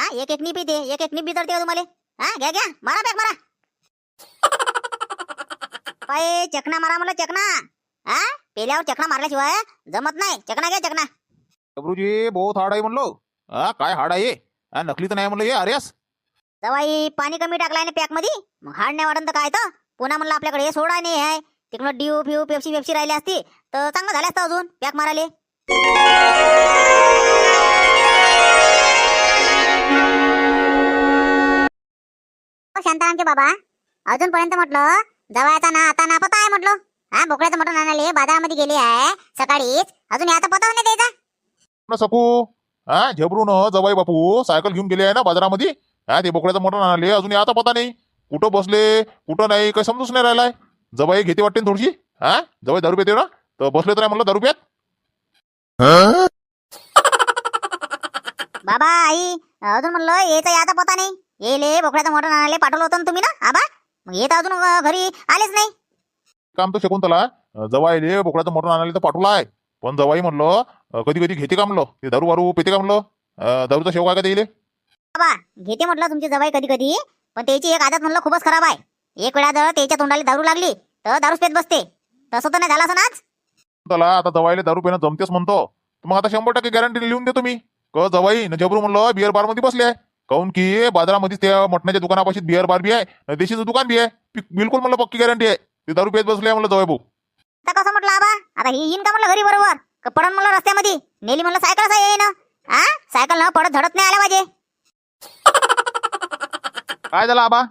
हा एक एक निप येते, एक एक निप बिदरते हो तुम्हाला. हा घ्या घ्या, मारा पॅक मारा. पाय चकना मारा म्हणलं, चकना. हा पेल्यावर चकना मारल्याशिवाय जमत नाही. चकना घ्या, चकना. प्रभूजी बहुत हार्ड आहे म्हणलो. हा काय हार्ड आहे? हा नकली तर नाही म्हणलं हे अरेस. जवाई पाणी कमी टाकलाय ना पॅक मध्ये, मग हाड नाही वाटत तर काय तर. पुन्हा म्हणलं आपल्याकडे हे सोडा नाही आहे. तिकडं ड्यू फ्यू पेप्सी पेप्सी राहिली असती तर चांगलं झालं असतं अजून पॅक माराले. शांतारामचे बाबा अजूनपर्यंत म्हटलं जवायचा ना आता ना पता आहे म्हटलं. हा बोकड्याचं मटण आणाले बाजारामध्ये गेले आहे सकाळीच, अजून आता पता नाही द्यायचा. न सकू हा झबरून जवाई बापू सायकल घेऊन गेले आहे ना बाजारामध्ये. हा ते बोकड्याचं मटण आणले, अजून आता पता नाही कुठं बसले कुठं नाही, काही समजूच नाही राहिलाय. जवाई घेते वाटते ना थोडीशी. हा जवाई दारू पेते ना, तर बसले तर नाही म्हणलं दारू प्यात. बाबा आई अजून म्हणलं येतं आता पता नाही. येले बोकड्याचं मटण आणाले पाठवलं होतं ना तुम्ही ना आबा, मग येत अजून घरी आलेच नाही. काम तर शकुंतला जवाईले बोकड्याचं मटण आणाले तर पाठवलं आहे, पण जवाई म्हणलं कधी कधी घेते का म्हणलं, ते दारू वारू पेते का म्हणलं. दारूचा शेव काय का देईल. बाबा घेते म्हटलं तुमची जवाई कधी कधी, पण त्याची एक आदत म्हणलं खूपच खराब आहे. एक वेळा जर त्याच्या तोंडाला दारू लागली तर दारूच पेत बसते. तसं तर नाही झालं असं नाच. त्याला आता जवाईले दारू पिणं जमतेच म्हणतो, तर मग आता 100% गॅरंटी लिहून देतो मी. जवाई न जबरू म्हणलं बिअर बार मध्ये बसले आहे. काऊन की बाजारामध्ये त्या मटणाच्या दुकानापाशी बिअर बार बी आहे, देशीचं दुकान बी आहे. बिलकुल म्हणलं पक्की गॅरंटी आहे, ते दारू पेत बसले म्हणलं जवाई भाऊ. आता कसं म्हटलं आबा, आता ही येईन का म्हणलं घरी बरोबर का पडन म्हणलं रस्त्यामध्ये. नेली म्हणलं सायकल असं येईन. हा सायकल न पडत झडत नाही आल्या पाहिजे. काय झालं आबा?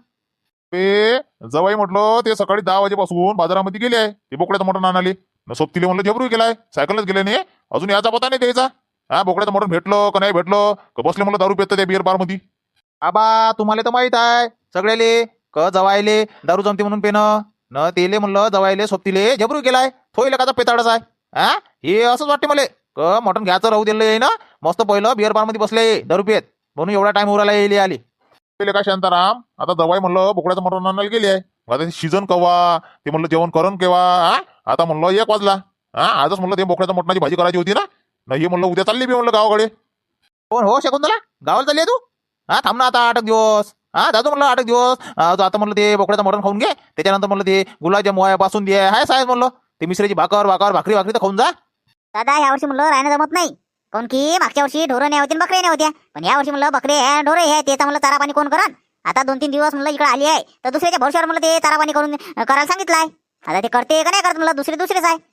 ते जवाई म्हटलं ते सकाळी 10 वाजेपासून बाजारामध्ये गेले आहे ते बोकड्याचं मटण आणाले. सोबतीले म्हणलं झबरू गेलाय, सायकलच गेले नाही, अजून याचा पता नाही द्यायचा. हा बोकड्याचं मटण भेटलं का नाही भेटलं का बसले म्हणलं दारू पेत त्या बिअर बार मध्ये. आबा तुम्हाला तर माहित आहे सगळ्याले क जवायले दारू जमते म्हणून पेनं न तेले म्हणलं जवायले सोबतीले झबरू गेलाय, थोईले का पेताडच आहे. हा हे असंच वाटते मला क मटण घ्यायचं राहू दिलं आहे ना, मस्त पहिलं बिअर बार मध्ये बसले दारू पेत, म्हणून एवढा टाइम उराला येईल आली. का शांताराम आता जवाई म्हणलं बोकड्याचं मटण आणायला गेले आहे, आता सीझन कवा ते म्हणलं जेवण करण केव्हा. आता म्हणलं 1 वाजला. आजच म्हणलं ते बोकड्याच्या मटणाची भाजी करायची होती ना, नाही म्हणलं उद्या चालली बी म्हणलं गावाकडे. कोण हो शकुंतला गावाला चालली आहे तू? हा थांब ना आता 8 दिवस. जातो म्हणलं 8 दिवस. आता म्हणलं ते बोकड्याचं मटण खाऊन घे, त्याच्यानंतर म्हणलं ते गुलाबजाम आहे पासून दे आहे साहेब म्हणलं ते मिश्रीची भाकर भाकरी तर खाऊन जा. दादा या वर्षी म्हणलं राहणं जमत नाही. कोण की मागच्या वर्षी ढोरं नाही होते बकरे नाही होत्या, पण या वर्षी म्हणलं बकरे आहे ढोरे आहे, त्याचा म्हणलं चारा पाणी कोण करन. आता 2-3 दिवस म्हणलं इकडे आली आहे तर दुसऱ्याच्या भरशावर म्हणलं ते चारा पाणी करून करायला सांगितलंय. आता ते करते का नाही करत म्हणलं दुसरेच आहे.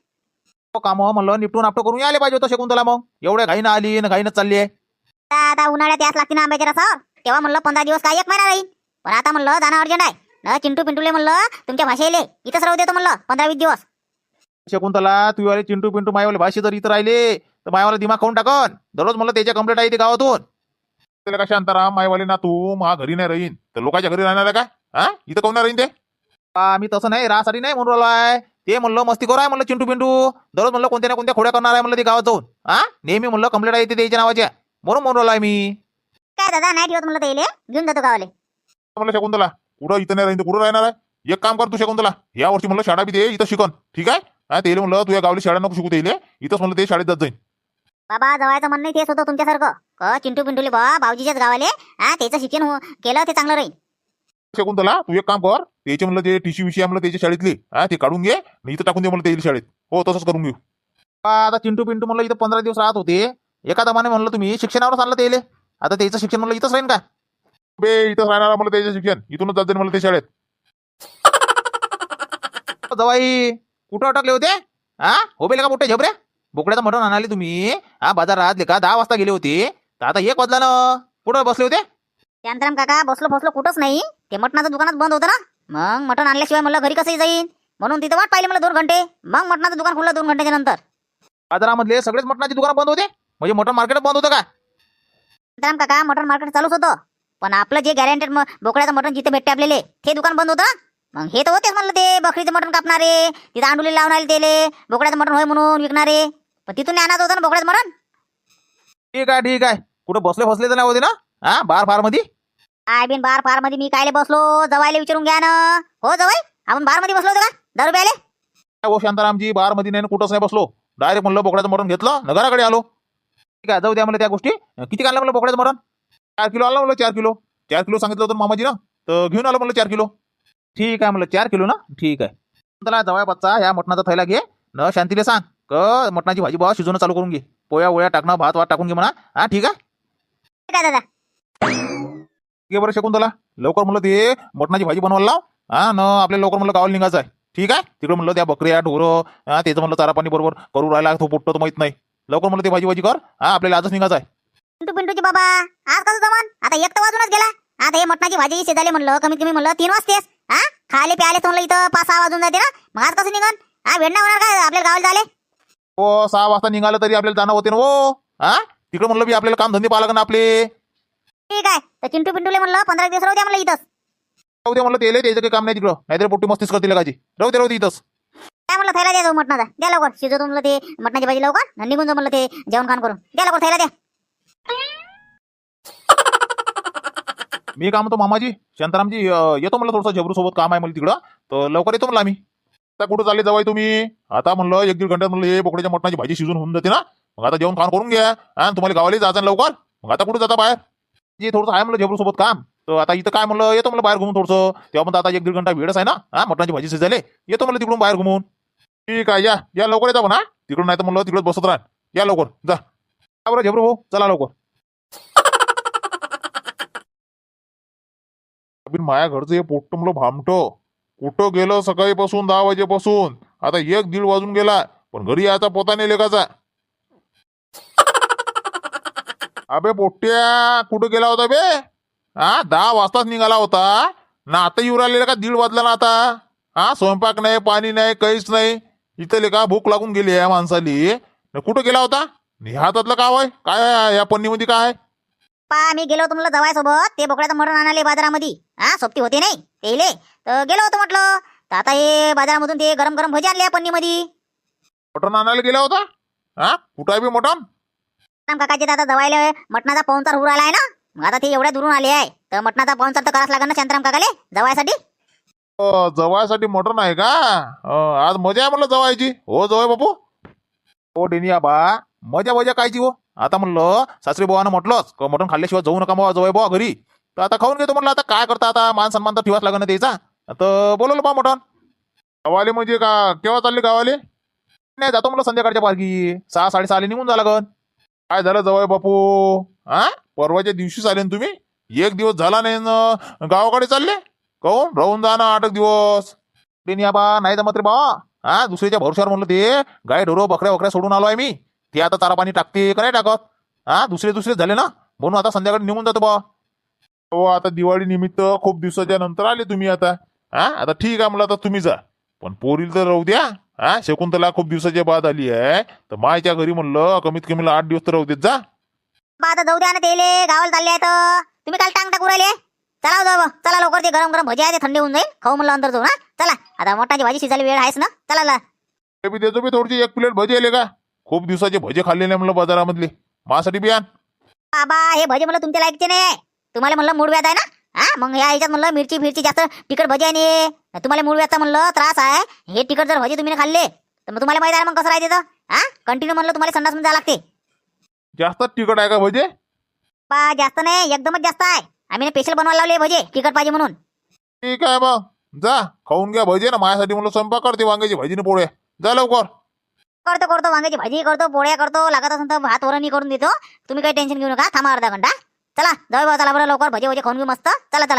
काम म्हणलं निपटून आपटं करून यायला पाहिजे होतं शकुंतला, मग एवढ्या घाईनं आली ना घाईनं चालली आहे. आता उन्हाळ्यात याच लागते ना आंब्याच्या रसावर, तेव्हा म्हणलं 15 दिवस काय 1 महिना राहील. पण आता म्हणलं जाणं अर्जंट आहे ना. चिंटू पिंटूले म्हणलं तुमच्या भाषेले इथंच राहू देतो म्हणलं 15-20 दिवस. शकुंतला तू वाले चिंटू पिंटू मायवाले भाषे जर इथं राहिले तर मायवाला दिमाग खाऊन टाकन. दररोज म्हणलं त्याच्या कंप्लेंट आहे ते गावातून. त्याला का शांताराम मायवाले ना तू मा घरी नाही राहीन तर लोकांच्या घरी राहणार आहे का? इथं कोण राहीन ते? मी तसं नाही राहसाठी नाही म्हणून राहिलोय. ते म्हणलं मस्ती करू आहे म्हणलं चिंटू पिंटू, दररोज म्हणलं कोणत्या ना कोणत्या खोड्या करणार आहे म्हणलं ते गावात जाऊन. नेहमी म्हणलं कंप्लेंट आहे ते द्यायच्या नावाच्या, म्हणून राहिलोय मी. काय दादा नाही ठेवत म्हणलं त्याले, घेऊन जातो गावाले. म्हणलं शकुंतला कुठं इथं नाही राहीन तर कुठं राहणार आहे? एक काम कर तू शकुंतला, या वर्षी म्हणलं शाळा बी दे इथं शिकन, ठीक आहे? ते म्हणलं तू या गावली शाळा नको शिकू देईल, इथंच म्हणलं ते शाळेत जात जाईन. बाबा जवायचं म्हणणं तेच होतं तुमच्यासारखं क चिंटू पिंटूले बा भाऊजीच्याच गावाले त्याचं शिक्षण केलं ते चांगलं राहील. शकुंतला तू एक काम कर, त्याचे म्हणलं ते टीसी विषय म्हणलं त्याच्या शाळेतली ते काढून घे आणि इथं टाकून दे म्हणलं ते शाळेत. हो तसंच करून घेऊ. आता चिंटू पिंटू म्हणलं इथं 15 दिवस राहत होते, एका दमाने म्हणलं तुम्ही शिक्षणावर आणलं त्याले, आता त्याचं शिक्षण म्हणलं इथंच राहीन का? बे इथंच राहणार म्हणलं त्याचं शिक्षण, इथूनच जात जाईन म्हणलं ते शाळेत. जवाई कुठं अटकले होते? हो बेले का मोठे झबऱ्या, बोकड्याचं मटण आणाले तुम्ही बाजारात का 10 वाजता गेले होते, तर आता 1 वाजला ना, कुठं बसले होते? शांताराम काका बसलो कुठंच नाही, ते मटणाचं दुकानात बंद होतं ना, मग मटण आणल्याशिवाय म्हणलं घरी कसंही जाईन, म्हणून तिथं वाट पाहिली मला 2 घंटे, मग मटणाचं दुकान खुललं 2 घंट्याच्या नंतर. बाजारामधले सगळेच मटणाची दुकान बंद होते, म्हणजे मटण मार्केट बंद होतं का? शांताराम काका मटण मार्केट चालूच होतं, पण आपलं जे गॅरंटेड बोकड्याचं मटण जिथे भेटते आपल्याला ते दुकान बंद होतं. मग हे तर होतेच म्हणलं ते बकरीचं मटण कापणारे, तिथं अंडुले लावणारे तेले बोकड्याचं मटण होय म्हणून विकणारे, पण तिथून नाही आणत होतं ना बोकड्याचं मटण. ठीक आहे कुठं बसले तर नाही होते ना बार फार मध्ये? आय बिन बार फार मध्ये मी कायले बसलो, जवायला विचारून घ्या ना. हो जवाई आपण बार मध्ये बसलो होतो का दारू प्यायले? हो शांतारामजी बार मध्ये नाही कुठंच नाही बसलो, डायरेक्ट म्हणलं बोकड्याचं मटण घेतलं न घराकडे आलो. ठीक आहे जाऊ द्या मला त्या गोष्टी. किती आणलं म्हणलं बोकड्याचं मटण? 4 किलो आला म्हणलं 4 किलो. 4 किलो सांगितलं होतं मामाजी ना, तर घेऊन आलो म्हणलं 4 किलो. ठीक आहे म्हणलं 4 किलो ना, ठीक आहे. त्याला जवळ बच्चा ह्या मटणाचा थैला घे न शांतीले सांग क मटणाची भाजी बा शिजवणं चालू करून घे. पोया ओळ्या टाकणं, भात वाट टाकून घे म्हणा. हा ठीक आहे. ठीक आहे दादा. घे बरं शकुंतला, लवकर म्हणलं ते मटणाची भाजी बनवायला लाव. हा न आपल्याला लवकर म्हणलं गावाला निघायचं आहे. ठीक आहे. तिकडे म्हणलं त्या बकऱ्या ढोरं त्याचं म्हणलं चारा पाणी बरोबर करू राहिला तो पोट्ट तर माहित नाही. लवकर म्हणलं ते भाजी कर. हा आपल्याला आजच निघायचं आहे. पिंटूची बाबा आज कसं जमान? आता 1 तर वाजूनच गेला. आता हे मटणाची भाजी शिजायले म्हणलं कमीत कमी म्हणलं 3 वाजतेस. हा खाले प्याले तर म्हणलं इथं 5-6 वाजून जाते ना. मग आज कसं निघन? हा वेळ नाही होणार काय आपल्याला गावाला जायले? हो 6 वाजता निघालं तरी आपल्याला जाणं होते ना हो. हा तिकडे म्हणलं बी आपल्याला काम धंदे पाहा लागेल आपले. ठीक आहे. तर चिंटू पिंटूले म्हणलं 15 दिवस राहू द्या म्हणलं इथंच. राहू दे म्हणलं तेले त्याचं काही काम नाही तिकडं, नाहीतर पोट्टी मस्तीच करतील लगाची. राहू दे इथंच. काय म्हणलं थैला द्या जाऊ मटणाचा. द्या लवकर शिजवतो म्हणलं ते मटणाची भाजी लवकर आणि निघून जाऊ म्हणलं ते जेवण खाण करून. द्या लवकर थैला द्या. मी काय म्हणतो मामाजी शांतारामजी येतो म्हणलं थोडंसं झबरू सोबत काम आहे मला तिकडं, तर लवकर येतो म्हणलं आम्ही. आता कुठं चालले जावाय तुम्ही? आता म्हणलं 1-1.5 घंट्यात म्हणलं हे बोकड्याच्या मटणाची भाजी शिजून होऊन जाते ना. मग आता जेवण खाण करून घ्या आणि तुम्हाला गावाला जायचं लवकर. मग आता कुठं जाता बाहेर? जे थोडंसं आहे म्हणलं झबरू सोबत काम, तर आता इथं काय म्हणलं येतो म्हणलं बाहेर घुमून थोडंसं. तेव्हा म्हणता आता 1-1.5 घंटा वेळच आहे ना. हा मटणाची भाजी शिजायले येतो म्हणलं तिकडून बाहेर घुमून. ठीक आहे या लवकर येता म्हणा तिकडून, नाही तर म्हणलं तिकडे बसत राहा. या लवकर जा बरं झबरू भाऊ, चला लवकर. माया घरचं हे पोट्ट म्हणलं भामटं कुठं गेलं सकाळीपासून 10 वाजेपासून. आता 1-1.5 वाजून गेला पण घरी यायचा पोता नाही लेकाचा. अबे पोट्ट्या कुठं गेला होता बे? हा 10 वाजताच निघाला होता ना, आता येऊ राहिलेला का 1:30 वाजला ना आता. हा स्वयंपाक नाही, पाणी नाही, काहीच नाही. इथं लेका भूक लागून गेली या माणसाली. कुठं गेला होता? हातातलं काय आहे? काय आहे या पन्नीमध्ये काय आहे? मी गेलो होतो म्हणलं जवाय सोबत ते बोकड्याचं मटण आणाले बाजारामध्ये. हा सोबती होते नाही तेले तर गेलो होतो म्हटलं. तर आता हे बाजारामधून ते गरम गरम भजी आणले पन्नीमध्ये. मटण आणायला गेला होता? हा कुठं आहे बे मटण? काकाचे आता जवायला मटणाचा पाहुणचार होऊ राहिला आहे ना. मग आता ते एवढ्या दुरून आले आहे तर मटणाचा पाहुणचार तर करावंच लागेल ना शांताराम काकाले जवायसाठी. जवायसाठी मटण आहे का? आज मजा आहे म्हणलं जवायची. हो जवाय बापू. हो डेनिया बा मजा कायची हो. आता म्हणलं सासरी बुवानं म्हटलंच मटण खाल्ल्याशिवाय जाऊ नका बुवा जवळ बुवा घरी. तर आता खाऊन घेतो म्हणलं. आता काय करता, आता मान सन्मान तर ठेवाच लागेल ना त्याचा. तर बोलवलं बा मटण. गावाले म्हणजे का केव्हा चालले गावाले? नाही जातो म्हणलं संध्याकाळच्या पारखी 6-6:30 निघून जा लागन. काय झालं जवळ बापू? हा परवाच्या दिवशीच आले ना तुम्ही? 1 दिवस झाला नाही न गावाकडे चालले? काहून राहून जा ना 8 दिवस. डेनिया बा नाही जमत रे बाबा. हा दुसऱ्याच्या भरोश्यावर म्हणलं ते गाय ढोरं बकऱ्या सोडून आलो आहे मी. ते आता चारा पाणी टाकते का नाही टाकत? हा दुसरे झाले ना, म्हणून आता संध्याकाळी निघून जातो बा. हो आता दिवाळी निमित्त खूप दिवसाच्या नंतर आले तुम्ही आता. हा आता ठीक आहे म्हणलं आता तुम्ही जा, पण पोरील तर राहू द्या. हा शकुंतला खूप दिवसाच्या बाद आली आहे तर मायच्या घरी म्हणलं कमीत कमी 8 दिवस तर राहू देत जा. आता जाऊ द्या ना तेले गावाला चालले आहेत. तुम्ही काल टांग टाकू राहिले. चला जाऊ चला लवकर ते गरम गरम भजी आहे ते थंडी होऊन जाईल. खाऊ म्हणलं अंतर जाऊ ना. चला आता मटणाची भाजी शिजायला वेळ आहेस ना. चला ते बी देतो बी थोडीशी 1 प्लेट भजी आले का? खूप दिवसाचे भजे खाल्ले नाही म्हणलं बाजारामधले. माझ्यासाठी बियान बाबा हे भजी म्हणलं तुमच्या लायकचे नाही. तुम्हाला म्हणलं मूड व्याध आहे ना. हा मग ह्या ह्याच्यात म्हणलं मिरची जास्त तिखट भजी आहे नाही. तुम्हाला मूड व्याधचा म्हणलं त्रास आहे. हे तिखट जर भजी तुम्ही खाल्ले तर मग तुम्हाला माहिती आहे मग कसं राहते तर. हा कंटिन्यू म्हणलं तुम्हाला संडास मध्ये जावं लागते. जास्त तिखट आहे का भजे? बा जास्त नाही एकदमच जास्त आहे. आम्ही स्पेशल बनवायला लावले भजे तिखट पाहिजे म्हणून. ठीक आहे मग जा खाऊन घ्या भजे ना. माझ्यासाठी म्हणलं स्वयंपाक करते वांग्याची भाजीने पोळ्या. जा लवकर. करतो वांग्याची भाजी करतो, पोळ्या करतो, लागत असेल तर भात वरणही करून देतो. तुम्ही काही टेन्शन घेऊ नका. थांबा अर्धा घंटा. चला जाऊ बा चला बरं लवकर भजे खाऊन घेऊ मस्त. चला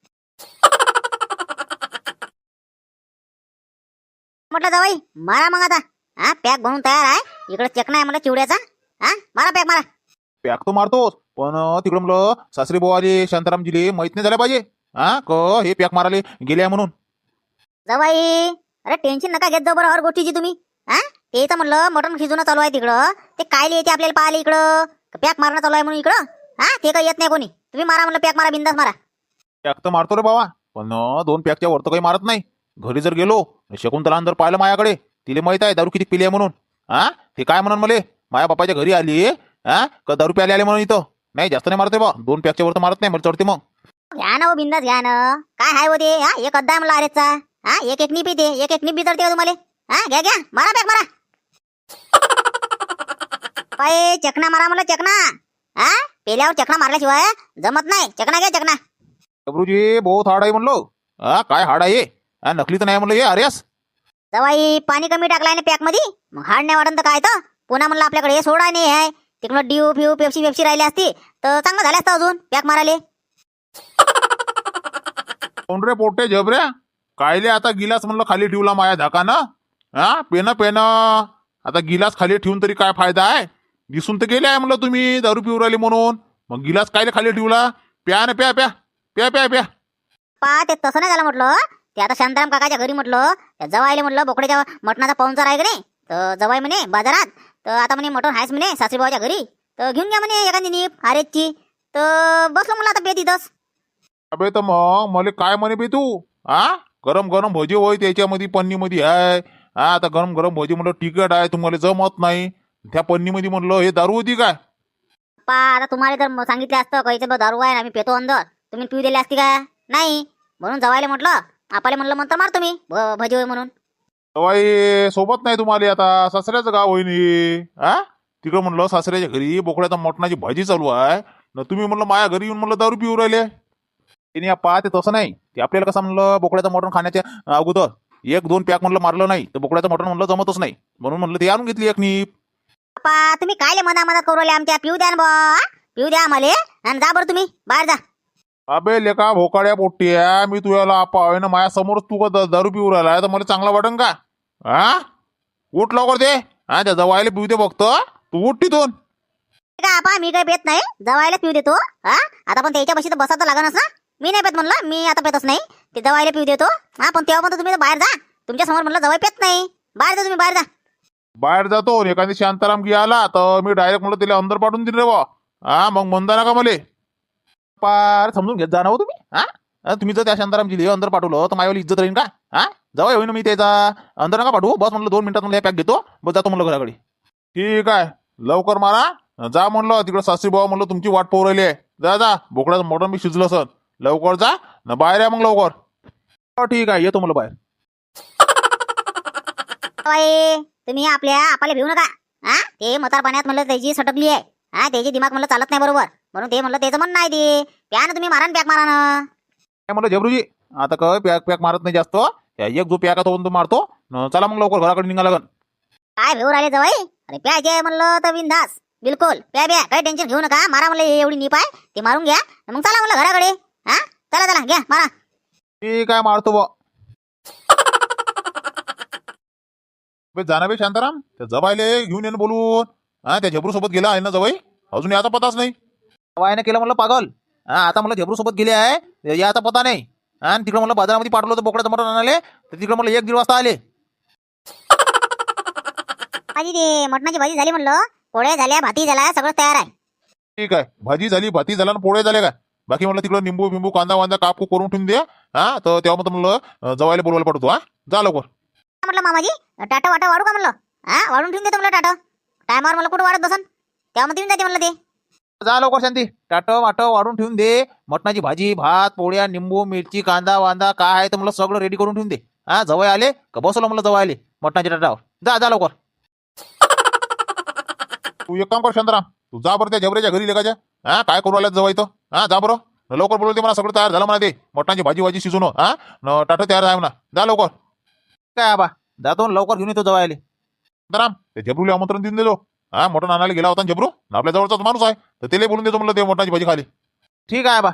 म्हटलं जावाई मारा मग आता. हा पॅक बनवून तयार आहे. इकडे चकना आहे मला चिवड्याचा. हा मारा पॅक मारा. पॅक तो मारतोच पण तिकडं म्हणलं सासरी बोवाले शांतारामजीले माहित नाही झालं पाहिजे. हा क हे पॅक माराले गेले म्हणून. जावाई अरे टेन्शन नका घेत जाऊ बरं हर गोष्टीची तुम्ही. हा तेच म्हणलं मटण शिजवणं चालू आहे तिकडं. ते कायले येते आपल्याला पाहिले इकडं पॅक मारणं चालू आहे म्हणून इकडं. हा ते काही येत नाही कोणी. तुम्ही मारा म्हणलं पॅक मारा बिंदास मारा. पॅक तर मारतो रे बाबा पण 2 पॅकच्या वर तर काही मारत नाही. घरी जर गेलो शकुंतला जर पाहिलं माझ्याकडे तिला माहित आहे दारू किती पिली आहे म्हणून. हा ते काय म्हणून मला माझ्या बापाच्या घरी आली हा का दारू प्याले आले म्हणून इथं. नाही जास्त नाही मारते बा 2 पॅकच्या वर तर मारत नाही मला चढते मग. घ्या ना हो बिंदास घ्या ना. काय हाय होते हा एक अद्दा म्हणलं अरेचा. हा एक निप येते एक निप बिजडते तुम्हाला. हा घ्या मारा पॅक मारा. पाय चकना मारा म्हणलं चकना. हा पेल्यावर चकना मारल्याशिवाय जमत नाही. चकना घ्या चकना. जबरूजी बहुत हार्ड आहे म्हणलो. हा काय हार्ड आहे? हा नकली तर नाही म्हणलं हे अरेस. जवाई पाणी कमी टाकलाय ना पॅक मध्ये, मग हाड नाही वाटत तर काय तर. पुन्हा म्हणलं आपल्याकडे सोडा नाही आहे. तिकडं ड्यू फ्यू पेप्सी राहिली असती तर चांगलं झालं असतं अजून पॅक मारायले. कोण रे पोटे जबऱ्या? कायले आता गिलास म्हणलं खाली ठेवला माया धाकानं. हा पेन आता गिलास खाली ठेवून तरी काय फायदा आहे? दिसून तर गेले आहे म्हणलं तुम्ही दारू पिऊ राहिले म्हणून. मग गिलास कायले खाली ठेवला? प्या ना प्या प्या प्या प्या प्या. ते तसं नाही झालं म्हटलं. ते आता शांताराम काकाच्या घरी म्हटलं त्या जवाईले म्हटलं बोकड्याच्या मटणाचा पाहुणचार आहे का नाही, तर जवाई म्हणे बाजारात, तर आता म्हणे मटण आहेच म्हणे सासरीबाबाच्या घरी, तर घेऊन घ्या म्हणे एखादी नीप हारेची. तर बसलो म्हणलं आता तिथंच. अबे तर मग मला काय म्हणे बे तू? हा गरम गरम भजी होय त्याच्यामध्ये पन्नीमध्ये आहे. हा आता गरम गरम भजी म्हणलं तिखट आहे तुम्हाला जमत नाही. त्या पन्नीमध्ये म्हणलं हे दारू होती काय? आता तुम्हाला जर सांगितलं असतं काहीचं बा दारू आहे आम्ही पेतो अंदर, तुम्ही पिऊ दिले असती का? नाही. म्हणून जवायला म्हटलं आपले म्हणलं म्हणतं मारतो मी भजी होय म्हणून. सवाई सोबत नाही तुम्हाला आता सासऱ्याचं गाव होईन हे. हा तिकडं म्हणलं सासऱ्याच्या घरी बोकड्याचा मटणाची भाजी चालू आहे न तुम्ही म्हणलं माया घरी येऊन म्हणलं दारू पिऊ राहिले. तिने पहा ते तसं नाही. ते आपल्याला कसं म्हणलं बोकड्याचं मटण खाण्याच्या अगोदर 1-2 पॅक म्हणलं मारलं नाही तर बोकड्याचं मटण म्हणलं जमतच नाही. म्हणून म्हणलं ते आणून घेतली एक नीप. तुम्ही कायले मनात करू राहिले आमच्या? पिऊ द्या ना बा, पिऊ द्या आम्हाला. आणि जा बरं तुम्ही बाहेर जा. अबे लेका भोकाड्या पोट्ट्या, मी तुझ्याला आपा आहे ना माझ्या समोरच तू का दारू पिऊ राहिला तर मला चांगला वाटन का? हा उठ लवकर दे. हा त्या जवायला पिऊ दे फक्त. तू उठ तिथून. का आपा मी काही पेत नाही, जवायला पिऊ देतो. हा आता पण त्याच्या बशी तर बसा तर लागणच ना. मी नाही पेत म्हणलं, मी आता पेतच नाही. ते जवायला पिऊ देतो. हा पण तेव्हा पण तुम्ही बाहेर जा. तुमच्या समोर म्हणलं जवाई पेत नाही. बाहेर जा तुम्ही, बाहेर जा. बाहेर जातो आणि एखादी शांताराम गी आला तर मी डायरेक्ट म्हणलं तिला अंदर पाठवून दिले बा. हा मग म्हणता ना का मले पार समजून घेत जा ना हो तुम्ही. हा तुम्ही जर त्या शांतारामजी अंदर पाठवलं तर माझ्यावर इज्जत राहील का? हा जवळ होईन मी त्याचा. अंदर नका पाठवू. बस म्हणलं 2 मिनिटात मला पॅक घेतो बस जातो म्हणलं घराकडे. ठीक आहे लवकर मारा. जा म्हणलं तिकडं सासरी बाबा म्हणलं तुमची वाट पाहू राहिली आहे. जा जा बोकड्याचं मोठं मी शिजलं सर. लवकर जा ना बाहेर या मग लवकर. हो ठीक आहे येतो म्हणलं बाहेर. जवाई तुम्ही आपल्याला भिवू नका. हा ते मतार पाण्यात म्हणलं त्याची सटकली आहे. हा त्याची दिमाग म्हणलं चालत नाही बरोबर, म्हणून ते म्हणलं त्याचं म्हणणं नाही. ते प्या ना तुम्ही, मारा ना पॅक मारा ना. काय म्हणलं जबरूजी आता काय पॅक पॅक मारत नाही जास्त. एक जो पॅक तो मारतो. चला मग लवकर घराकडे निघा लागन. काय भिवू राहिले जवाई? अरे प्यायचे म्हणलं तर बिनधास बिलकुल प्या प्या, काही टेन्शन घेऊ नका. मारा म्हणलं एवढी नीप आहे ते मारून घ्या. मग चला म्हणलं घराकडे. हा चला चला घ्या मारा. ठीक आहे मारतो बा. जाना बे शांताराम त्या जवायले घेऊन येणं बोलून. हा त्या झबरू सोबत गेला आहे ना जवाई, अजून याचा पताच नाही. जवाईने केलं म्हणलं पागल. हा आता म्हणलं झबरू सोबत गेले आहे याचा पता नाही. आणि तिकडं म्हणलं बाजारामध्ये पाठवलं तर बोकड्याचं मटण आणाले तर तिकडं म्हणलं 1-1:30 वाजता आले. माझी ते मटणाची भाजी झाली म्हणलं, पोळ्या झाल्या, भाती झाला, सगळं तयार आहे. ठीक आहे भाजी झाली भाती झाला पोळे झाले का? बाकी म्हणलं तिकडं निंबू बिंबू कांदा वांदा कापू करून ठेवून दे. हा तर तेव्हा म्हणलं जवायला बोलवायला पडतो. हा जा लवकर. म्हटलं मामाजी टाटा वाटा वाढू का म्हणलं? हा वाढून ठेवून देतो म्हणलं टाटा. टायमावर मला कुठं वाढत बसन तेव्हा मग जाते म्हणलं ते. जा लवकर शांती. टाटं वाटं वाढून ठेवून दे. मटणाची भाजी भात पोळ्या निंबू मिरची कांदा वांदा काय आहे तर म्हणलं सगळं रेडी करून ठेवून दे. हा जवळ आले का बसवलं म्हणलं जवळ आले मटणाच्या टाटावर. जा जा लवकर. तू एक काम कर शांताराम, तू जा बरं त्या जबऱ्याच्या घरी लेखाच्या. हा काय करू आल्यात जवळ इथं. हा जा बरं लवकर बोलवते मला. सगळं तयार झालं म्हणा ते मटणाची भाजी भाजी शिजून. हा टाटं तयार आहे म्हणा. जा लवकर. काय आबा जातो लवकर घेऊन येतो जवळ आले. शांताराम ते जबरूला आमंत्रण देऊन देतो. हा मटण आणायला गेला होता जबरू आपल्या जवळचाच माणूस आहे तर त्याला बोलून देतो म्हणलं ते मटणाची भाजी खाली. ठीक आहे बा.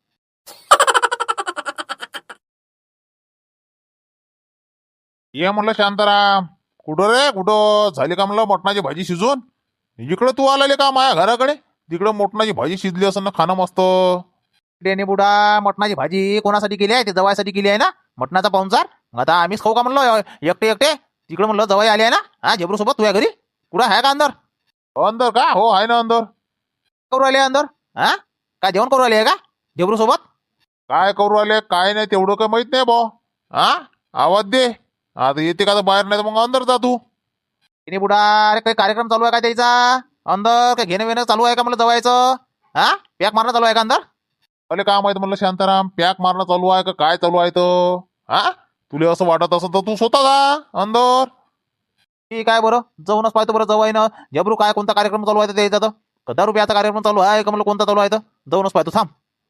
ये म्हणलं शांताराम. कुठं रे कुठं झाली का म्हणलं मटणाची भाजी शिजून? इकडं तू आलेले का माया घराकडे? तिकडं मटणाची भाजी शिजली असं ना खाणं मस्त. डेने बुडा मटणाची भाजी कोणासाठी केली आहे? ते जवायसाठी केली आहे ना मटणाचा पाहुणचार. आता आम्हीच खाऊ का म्हणलं एकटे एकटे? तिकडं म्हणलं जवाई आले आहे ना. हा जबरू सोबत तुझ्या घरी कुठं आहे का अंदर? अंदर का? हो आहे ना अंदर. करू आले अंदर? हा काय जेवण करू आले आहे का जबरू सोबत? काय करू आले काय नाही तेवढं काय माहित नाही बा. हा आवाज दे आता येते का बाहेर नाही तर मग अंदर जा तू. तिने बुडा अरे काही कार्यक्रम चालू आहे का त्याचा अंदर? काय घेणं वेणं चालू आहे का म्हणलं जवायचं? हा पॅक मारणं चालू आहे का अंदर? अरे काय माहित म्हणलं शांताराम पॅक मारणं चालू आहे का काय चालू आहे तर? हा तुला असं वाटत असं तर तू स्वतः जा अंदर. ठीक आहे बरं जाऊनच पाहतो बरं जवाईनं जबरू काय कोणता कार्यक्रम चालू आहे त्याचा तर. दारू प्याचा कार्यक्रम चालू आहे का म्हणलं कोणता चालू आहे तर जाऊनच पाहतो थांब.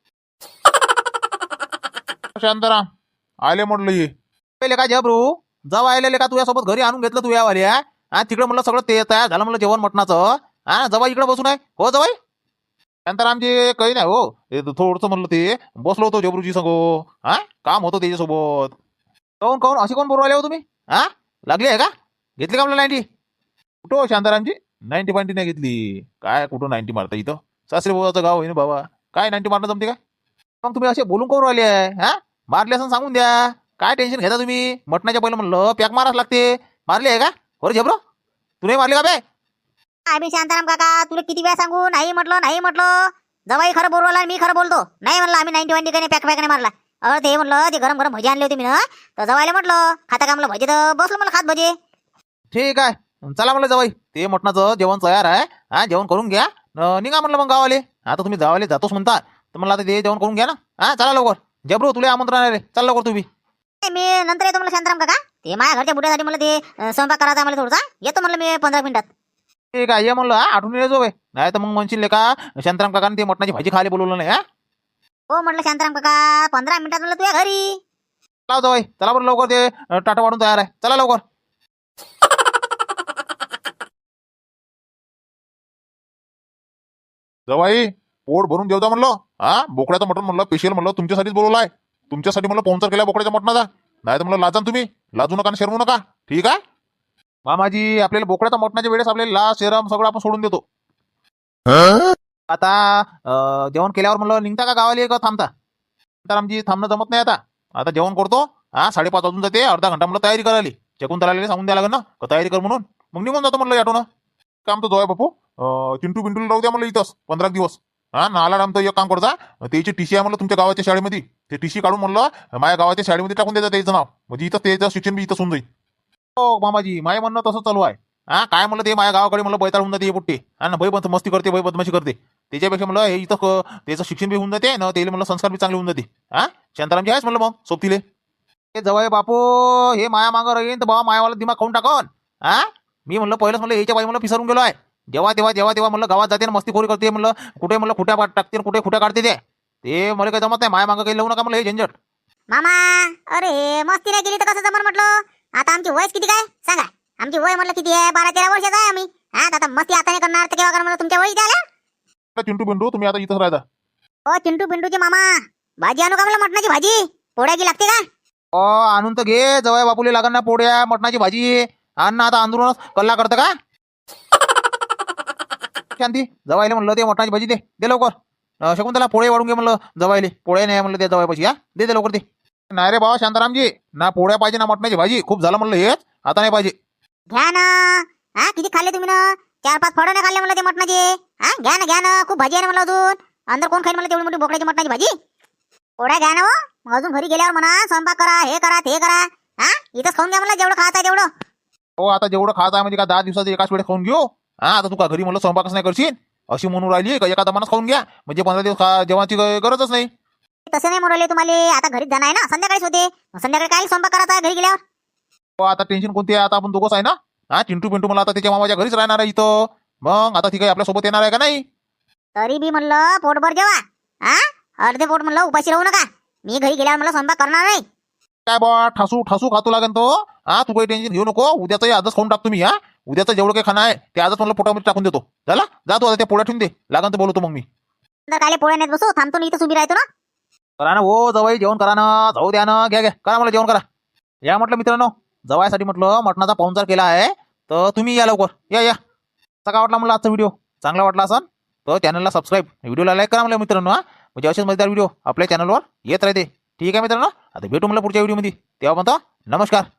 शांताराम आले म्हटलं ये. पहिले काय जबरू जाऊ आलेले का तुझ्यासोबत घरी आणून घेतलं तुझ्या वाले तिकडे म्हणलं सगळं ते तयार झालं म्हणलं जेवण मटणाचं. जवाई इकडे बसून आहे हो जवाई. शांतारामजी काही नाही हो, थोडंसं म्हणलं ते बसलो होतो जबरूजी संगो. काम होतं त्याच्यासोबत. काऊन काऊन अशी कोण बोलू आले हो तुम्ही लागली आहे का घेतली का म्हणलं 90? कुठं हो शांतारामजी 90 नाही घेतली. काय कुठं 90 मारता इथं? सासरे भावाचं गाव आहे ना बाबा, काय 90 मारणं जमते काय? मग तुम्ही असे बोलून करून राहिले आहे मारले असं सांगून द्या. काय टेन्शन घेता तुम्ही? मटणाच्या पहिलं म्हणलं पॅक माराच लागते. मारली आहे का बरं झबरो? तू नाही मारली का बे? बी शांताराम काका तुला किती वेळा सांगू नाही म्हटलं. जवाई खरं बोलवला मी खरं बोलतो. नाही म्हणलं आम्ही 90 काही पॅक नाही मारला. ते म्हणलं ते गरम गरम भजी आणले होते मी ना, तर जवायला म्हटलं खाता का म्हणलं भजी, तर बसलो मला खात भजी. ठीक आहे चला म्हणलं जवाई ते मटणाचं जेवण तयार आहे जेवण करून घ्या निघा म्हणलं मग गावाले. आता तुम्ही गावाले जातोच म्हणता तर म्हणलं आता ते जेवण करून घ्या ना. चला लवकर जबरू तुला आमंत्रण आहे रे, चल लवकर तुम्ही. मी नंतर येतो म्हणलं शांताराम काका. ते माझ्या घरच्या बुड्यासाठी मला ते स्वयंपाक करायचा मला थोडासा. येतो म्हणलं मी 15 मिनिटात. ठीक आहे ये म्हणलं आठवण येतो बे, नाही तर मग म्हणशील का शांताराम काकाने ते मटणाची भाजी खायला बोलवलं नाही. हो म्हटलं शांताराम काका 15 मिनिटात म्हणलं तुझ्या घरी. चला जवाई चला बरं लवकर ते टाटा वाढून तयार आहे चला लवकर. जवाई पोट भरून जेवता म्हणलं. बोकड्याचं मटण म्हणलं स्पेशल म्हणलं तुमच्यासाठीच बोलवलं आहे. तुमच्यासाठी म्हणलं पाहुणचार केला बोकड्याच्या मटणाचा. नाही तर म्हणलं लाजा ना तुम्ही, लाजू नका आणि शरमू नका. ठीक आहे मामाजी आपल्याला बोकड्याच्या मटणाच्या वेळेस आपल्याला लाज शरम सगळं आपण सोडून देतो. आता जेवण केल्यावर म्हणलं निघता का गावाला का थांबता? तर आमची थांबणं जमत नाही आता. आता जेवण करतो 5:30 वाजून जाते, अर्धा घंटा म्हणलं तयारी करायला. चकून तलाला सांगून द्यायला लागेल ना का तयारी कर म्हणून. मग निघून जातो म्हणलं याटो ना. काम तर जोय बापू चिंटू बिंटूला राहू द्या म्हणलं इथंच 15 दिवस. नाला तर एक काम करता, त्याची टीसी आहे म्हणलं तुमच्या गावाच्या शाळेमध्ये. ते टीसी काढून म्हणलं माझ्या गावाच्या शाळेमध्ये टाकून द्यायचं त्याचं नाव, म्हणजे इथं त्याचं शिक्षण बी इथं होऊन जाईल. हो मामाजी माय म्हणणं तसं चालू आहे. काय म्हणलं ते माझ्या गावाकडे म्हणलं बैताळ होऊन जाते पुट्टे ना भय मस्ती करते भय बदमाशी करते. त्याच्यापेक्षा म्हणलं हे इथं त्याचं शिक्षण बी होऊन जाते ना, त्याला म्हणलं संस्कार बी चांगले होऊन जाते. शांतारामजी आहेच म्हणलं मग सोबतीले. हे जवळ बापू हे माया मागं राहीन तर बाबा मायावाला दिमाग खाऊन टाकन. मी म्हणलं पहिलंच म्हणलं याच्या बाई म्हणलं पिसरून गेलो आहे. जेव्हा तेव्हा म्हणलं गावात जाते मस्ती खोरी करते म्हणलं, कुठे म्हणलं खुट्या टाकते कुठे खुट्या काढते ते मला काही जमत नाही. माया मागं काही लावू नका म्हणलं हे झंझट. मामा अरे मस्ती नाही केली तर कसं जमन म्हटलं. आता आमची वयस किती काय सांगा? आमची वय म्हटलं किती आहे? 12-13 वर्षाचा आहे आम्ही. आता मस्ती आता नाही करणार तर केव्हा करणार म्हणलं तुमच्या वयी द्याला. चिंटू बिंटू तुम्ही आता इथंच राहता. ओ चिंटू पिंटूची मामा भाजी आणू का म्हणलं मटणाची भाजी? पोळ्याची लागते का? आणून तर घे जवळ बापूले लागण ना पोळ्या मटणाची भाजी. आण ना आता आंदोलनच कल्ला करतं का? शांती जवायले म्हणलं ते मटणाची भाजी दे लवकर. शकून त्याला पोळे वाढून घे म्हणलं जवायले. पोळे नाही म्हणलं ते जवायपाशी दे लवकर ते. नाही रे बाबा शांतारामजी, ना पोळ्या पाहिजे ना मटणाची भाजी. खूप झालं म्हणलं हेच, आता नाही पाहिजे. घ्या ना. किती खाल्ले तुम्ही ना? 4-5 फळं नाही खाल्ले म्हणलं ते मटणाचे. घ्या ना खूप भाजी आहे ना म्हणलं अजून. अंदर कोण खाईल म्हणलं तेवढी मोठी बोकड्याची मटणाची भाजी? पोळ्या घ्या ना हो. मग अजून घरी गेल्यावर म्हणा स्वयंपाक करा हे करा ते करा. इथंच खाऊन घ्या म्हणलं जेवढं खायचं आहे तेवढं. हो आता जेवढं खात आहे म्हणजे का 10 दिवसाचं एकाच वेळेस खाऊन घेऊ. आता तू का घरी म्हणलं स्वयंपाकच नाही करशील अशी म्हणून राहिली का? एका दमानच खाऊन घ्या म्हणजे 15 दिवस जेवणाची गरजच नाही. तसं नाही म्हणले तुम्हाला. आता घरीच जाणार आहे ना, संध्याकाळीच होते. संध्याकाळी काय स्वयंपाक करायचा आहे घरी गेल्यावर? हो आता टेन्शन कोणती आहे? आता आपण दोघंच आहे ना. चिंटू पिंटू मला आता त्याच्या मामाच्या घरीच राहणार आहे इथं. मग आता ती काही आपल्या सोबत येणार आहे का नाही? तरी बी म्हणलं पोटभर जेवा. अर्धे पोट म्हणलं उपाशी राहू नका. मी घरी गेल्यावर मला स्वयंपाक करणार नाही. काय बा ठासू खातो लागेल तो. तू काही टेन्शन घेऊ नको. उद्याचं आजच खाऊन टाक तुम्ही. उद्याचं जेवढं काही खाणं आहे ते आजच म्हणलं पोटामध्ये टाकून देतो. झाला जा तू आता त्या पोळ्या ठेवून दे. लागन तर बोलवतो मग मी. तर काले पोळ्या नाही बसू थांबतो ना इथं उभी राहतो ना. करा ना हो जवाई जेवण करा ना. जाऊ द्या ना. घ्या करा मला जेवण करा. या म्हटलं मित्रांनो जवायसाठी म्हटलं मटणाचा पाहुणचार केला आहे तर तुम्ही या लवकर या. कसा वाटला मला आजचा व्हिडिओ? चांगला वाटला असेल तर चॅनलला सबस्क्राईब व्हिडिओला लाईक करा मला मित्रांनो. म्हणजे असेच मजेदार व्हिडिओ आपल्या चॅनलवर येत राहते. ठीक आहे मित्रांनो आता भेटू मला पुढच्या व्हिडिओमध्ये. तेव्हा म्हणतो नमस्कार.